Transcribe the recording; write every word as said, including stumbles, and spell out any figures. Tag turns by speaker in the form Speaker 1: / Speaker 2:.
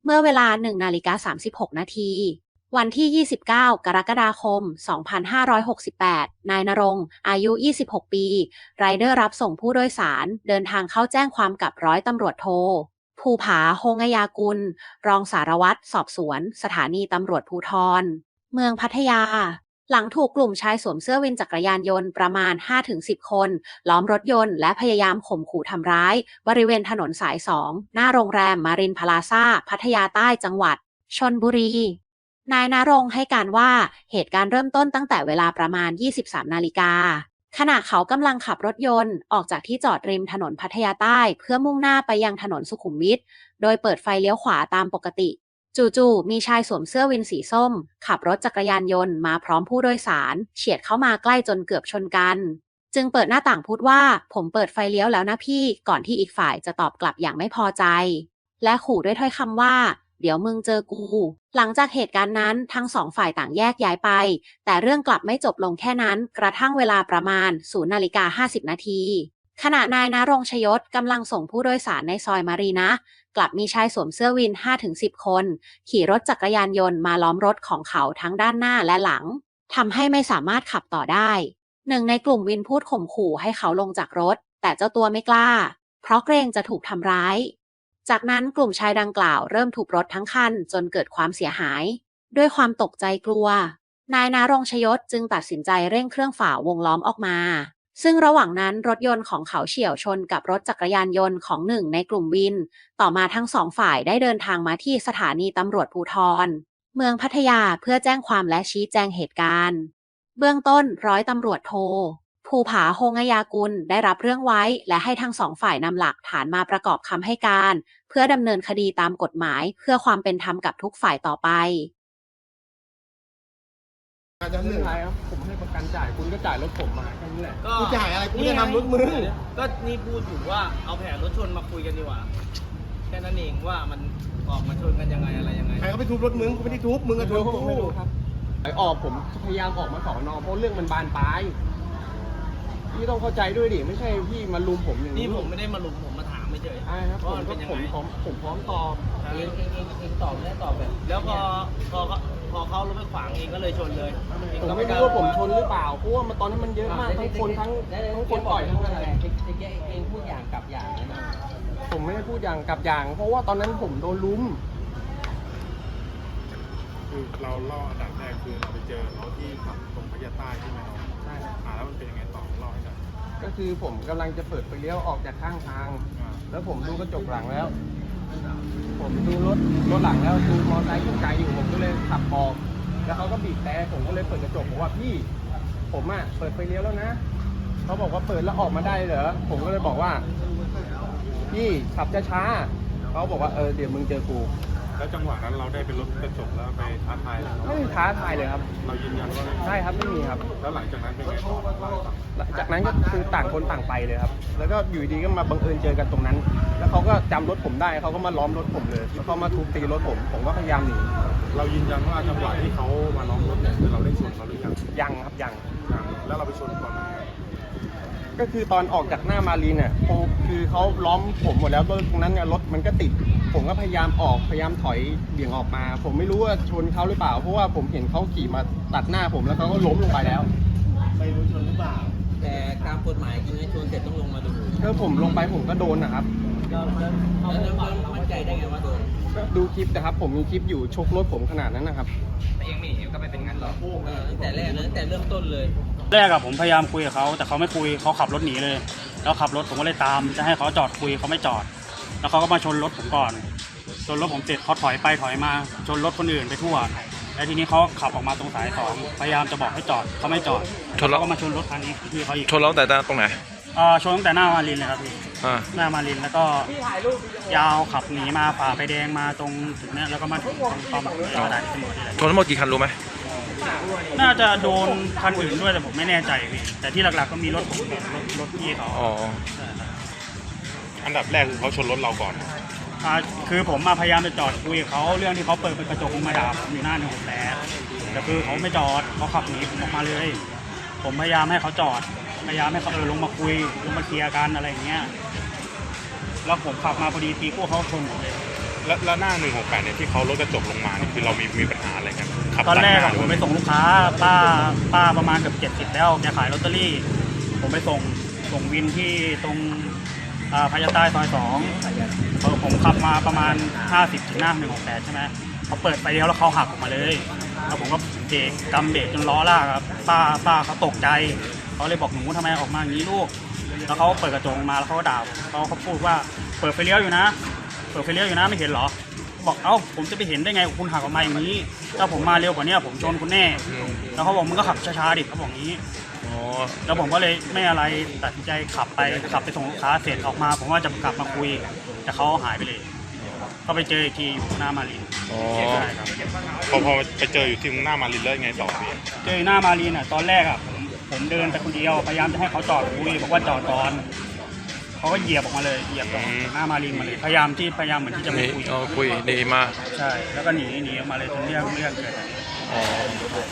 Speaker 1: เมื่อเวลาหนึ่งนาฬิกาสามสิบหกนาทีวันที่ยี่สิบเก้ากรกฎาคมสองพันห้าร้อยหกสิบแปดนายณรงค์อายุยี่สิบหกปีไรเดอร์รับส่งผู้โดยสารเดินทางเข้าแจ้งความกับร้อยตำรวจโทภูผาโฮงยากุลรองสารวัตรสอบสวนสถานีตำรวจภูธรเมืองพัทยาหลังถูกกลุ่มชายสวมเสื้อวินจักรยานยนต์ประมาณ ห้าถึงสิบ คนล้อมรถยนต์และพยายามข่มขู่ทำร้ายบริเวณถนนสายสองหน้าโรงแรมมารินพลาซ่าพัทยาใต้จังหวัดชลบุรีนายณรงค์ให้การว่าเหตุการณ์เริ่มต้นตั้งแต่เวลาประมาณ ยี่สิบสาม นาฬิกาขณะเขากำลังขับรถยนต์ออกจากที่จอดริมถนนพัทยาใต้เพื่อมุ่งหน้าไปยังถนนสุขุมวิทโดยเปิดไฟเลี้ยวขวาตามปกติจู่ๆมีชายสวมเสื้อวินสีส้มขับรถจักรยานยนต์มาพร้อมผู้โดยสารเฉียดเข้ามาใกล้จนเกือบชนกันจึงเปิดหน้าต่างพูดว่าผมเปิดไฟเลี้ยวแล้วนะพี่ก่อนที่อีกฝ่ายจะตอบกลับอย่างไม่พอใจและขู่ด้วยถ้อยคำว่าเดี๋ยวมึงเจอกูหลังจากเหตุการณ์นั้นทั้งสองฝ่ายต่างแยกย้ายไปแต่เรื่องกลับไม่จบลงแค่นั้นกระทั่งเวลาประมาณศูนย์นาฬิกาห้าสิบนาทีขณะนายณรงค์ชยศกำลังส่งผู้โดยสารในซอยมารีนะกลับมีชายสวมเสื้อวิน ห้าถึงสิบ คนขี่รถจักรยานยนต์มาล้อมรถของเขาทั้งด้านหน้าและหลังทำให้ไม่สามารถขับต่อได้หนึ่งในกลุ่มวินพูดข่มขู่ให้เขาลงจากรถแต่เจ้าตัวไม่กล้าเพราะเกรงจะถูกทำร้ายจากนั้นกลุ่มชายดังกล่าวเริ่มทุบรถทั้งคันจนเกิดความเสียหายด้วยความตกใจกลัวนายณรงค์ชยศจึงตัดสินใจเร่งเครื่องฝ่าวงล้อมออกมาซึ่งระหว่างนั้นรถยนต์ของเขาเฉี่ยวชนกับรถจักรยานยนต์ของหนึ่งในกลุ่มวินต่อมาทั้งสองฝ่ายได้เดินทางมาที่สถานีตำรวจภูธรเมืองพัทยาเพื่อแจ้งความและชี้แจงเหตุการณ์เบื้องต้นร้อยตำรวจโทภูผาโฮงยากุลได้รับเรื่องไว้และให้ทั้งสองฝ่ายนำหลักฐานมาประกอบคำให้การเพื่อดำเนินคดีตามกฎหมายเพื่อความเป็นธรรมกับทุกฝ่ายต่อไป
Speaker 2: อาจจะเหนื่อยครับผมให้ประกันจ่ายคุณก็จ่ายรถผมมาแค่นี้แหละ
Speaker 3: ก็
Speaker 2: กูจ่ายอะไรกูจะทำรถมึง
Speaker 3: ก็นี่พูดอยู่ว่าเอาแผนรถชนมาคุยกันดีกว่าแค่นั้นเองว่ามันออกมาชนกันยังไงอะไรยังไง
Speaker 2: ใครเขาไปทุบรถมึงกูไม่ได้ทุบมึงก็ทุบกูครับไอ้ออกผมพยายามออกมาสอนอเพราะเรื่องมันบานปลายพี่ต้องเข้าใจด้วยดิไม่ใช่พี่มาลุมผมอย่างนี้
Speaker 3: นี่ผมไม่ได้มาลุมผมมาถามไม่เฉย
Speaker 2: ใช่ครับผมก็ผมพร้อมผมพร้อมตอบ
Speaker 3: เองเองเองเองตอบไม่ได้ตอบแบบแล้วพอพอพอเขารถไปขวางเองก็เลยชนเลย
Speaker 2: ผมไม่รู้ว่าผมชนหรือเปล่าเพราะว่ามันตอนนั้นมันเยอะมากทั้งคนทั้งทั้งคนต่อยทั้งอะไร
Speaker 3: เองพูดอย่างกับอย่างนะ
Speaker 2: ผมไม่ได้พูดอย่างกับอย่างเพราะว่าตอนนั้นผมโดนลุม
Speaker 4: คือเราล่ออันดับแรกคือเราไปเจอเขาที่ขับตรงพัทยาใต้ใช่ไหมครับ
Speaker 2: ใช่
Speaker 4: อ่าแล้วมันเป็นยังไงต่อล่อให้หน่อย
Speaker 2: ก็คือผมกำลังจะเปิดไฟเลี้ยวออกจากข้างทางแล้วผมดูกระจกหลังแล้วผมดูรถรถหลังแล้วดูมอเตอร์ไซค์ขึ้นไกลอยู่ผมก็เลยขับออกแล้วเขาก็บีบแต่ผมก็เลยเปิดกระจกบอกว่าพี่ผมอ่ะเปิดไฟเลี้ยวแล้วนะเขาบอกว่าเปิดแล้วออกมาได้เหรอผมก็เลยบอกว่าพี่ขับช้าๆเขาบอกว่าเออเดี๋ยวมึงเจอกู
Speaker 4: แล้วจังหวะนั้นเราได้เป็นรถกระจกแล้วไปท้าทาย
Speaker 2: ไม่มีท้าทายเลยครับ
Speaker 4: เรายืนยันว่า
Speaker 2: ใช่ครับไม่มีครับ
Speaker 4: แล้วหลังจากนั้นเป็นไงต่อ
Speaker 2: หลังจากนั้นก็คือต่างคนต่างไปเลยครับแล้วก็อยู่ดีก็มาบังเอิญเจอกันตรงนั้นแล้วเขาก็จำรถผมได้เขาก็มาล้อมรถผมเลยแล้วเขามาทุบตีรถผมผมก็พยายามหนี
Speaker 4: เรายืนยันว่าจังหวะที่เขามาล้อมรถเนี่ยคือเราได้ชนเขาหรือยัง
Speaker 2: ยังครับยัง
Speaker 4: ยังแล้วเราไปชนก่อนไหน
Speaker 2: ก็คือตอนออกจากหน้ามารีนเนี่ยคือเขาล้อมผมหมดแล้วตรงนั้นเนี่ยรถมันก็ติดผมก็พยายามออกพยายามถอยเบี่ยงออกมาผมไม่รู้ว่าชนเขาหรือเปล่าเพราะว่าผมเห็นเขาขี่มาตัดหน้าผมแล้วเขาก็ล้มลงไปแล้ว
Speaker 3: ไม่รู้ชนหรือเปล่าแต่ตามกฎหมายจริงๆชนเสร็จต้องลงมาดู
Speaker 2: ถ้าผมลงไปผมก็โดนนะครับ
Speaker 3: แล้วแล้วมั่นใจได้ไงว่าโดน
Speaker 2: ดูคลิปนะครับผมมีคลิปอยู่ชกรถผมขนาดนั้นนะครับ
Speaker 3: เองไม่เห็นก็ไม่เป็นงั้นหรอกตั้งแต่แรกเลยตั้งแต่เริ่มต้นเลย
Speaker 5: แรกอะผมพยายามคุยกับเขาแต่เขาไม่คุยเขาขับรถหนีเลยแล้วขับรถผมก็เลยตามจะให้เขาจอดคุยเขาไม่จอดแล้วเขาก็มาชนรถผมก่อนชนรถผมเสร็จเขาถอยไปถอยมาชนรถคนอื่นไปทั่วแล้วทีนี้เขาขับออกมาตรงสายสองพยายามจะบอกให้จอดเขาไม่จอด
Speaker 6: ชนแล้ว
Speaker 5: ก็มาชนรถคันนี้ที่เขาอีก
Speaker 6: ชนแล้วแต่ตรงไหน
Speaker 5: อ่าชนตั้งแต่หน้ามารินเลยครับพี่หน้ามารินแล้วก็ยาวขับหนีมาฝ่าไฟแดงมาตรงถึงเนี้ยแล้วก็มาถึงตรงปั๊มกระดาษตำรวจนี่แหละ
Speaker 6: ชนทั้งหมดกี่คันรู้ไหม
Speaker 5: น่าจะโดนคันอื่นด้วยแต่ผมไม่แน่ใจพี่แต่ที่หลักๆก็มีรถผมกับรถรถพี่เขา
Speaker 6: อ๋อ
Speaker 4: อันดับแรกคือเขาชนรถเราก่อน
Speaker 5: อ่าคือผมมาพยายามจะจอดคุยกับเขาเรื่องที่เขาเปิดเป็นกระจกลงมาด่าผมอยู่หน้าหนึ่งหกแผลแต่คือเขาไม่จอดเขาขับหนีผมออกมาเลยผมพยายามให้เขาจอดพยายามให้เขาเออลงมาคุยลงมาเคลียร์กันอะไรอย่างเงี้ยแล้วผมขับมาพอดีตีกู้เขาชนผมเลย
Speaker 4: แล้วแล้วหน้าหนึ่งหกแปดเนี่ยที่เขารถกระจกลงมาเนี่ยคือเรามีมีปัญหาอะไรกันขับ
Speaker 5: ตอนแรก
Speaker 4: ตั
Speaker 5: อะ
Speaker 4: ดหาห
Speaker 5: ผม
Speaker 4: ว่า
Speaker 5: ไปส่งลูกค้าป้าป้าประมาณเกือบเจ็ดสิบแล้วแกขายลอตเตอรี่ ผมไปส่งส่งวินที่ตรงอ่าพญาใต้ซอยสองพอผมขับมาประมาณห้าสิบถึงหน้าหนึ่งหกแปดใช่ไหมเขาเปิดไฟเลี้ยวแล้วเขาหักออกมาเลยแล้วผมก็เบรกกำเบรกจนล้อลากครับป้าป้าเขาตกใจเขาเลยบอกหนูทำไมออกมาอย่างนี้ลูก แล้วเขาเปิดกระจกมาแล้วเขาก็ด่าเขาเขาพูดว่าเปิดไฟเลี้ยวอยู่นะ เปิดไฟเลี้ยวอยู่นะไม่เห็นเหรอ บอกเอ้าผมจะไปเห็นได้ไงคุณหักออกมาอย่างนี้ ถ้าผมมาเร็วกว่านี้ผมชนคุณแน่ แล้วเขาบอกมึงก็ขับช้าๆดิเขาบอกงี้
Speaker 4: อ๋อ
Speaker 5: แล้วผมก็เลยไม่อะไรตัดสินใจขับไปขับไปส่งลูกค้าเสร็จออกมา ผมว่าจะกลับมาคุยแต่เขาหายไปเลยก็ไปเจออีกทีอยู่หน้ามารีน
Speaker 4: อ๋อ
Speaker 5: ใช่ครับ
Speaker 4: พอพอไปเจออยู่ที่หน้ามารินแล้วยังไงต่อพี่
Speaker 5: เจอหน้ามารีนอ่ะตอนแรกอ่ะผมผมเดินไปคนเดียวพยายามจะให้เขาจอดคุยบอกว่าจอดก่อนเขาก็เหยียบออกมาเลยเหยียบออกหน้ามารีนมาเลยพยายามที่พยายามเหมือนที่จะไม่
Speaker 4: นี่
Speaker 5: คุย
Speaker 4: อ๋อคุยดีมาก
Speaker 5: ใช่แล้วก็หนีหนีออกมาเลยจนเรื่องเรื่องเกิด
Speaker 4: อ๋อ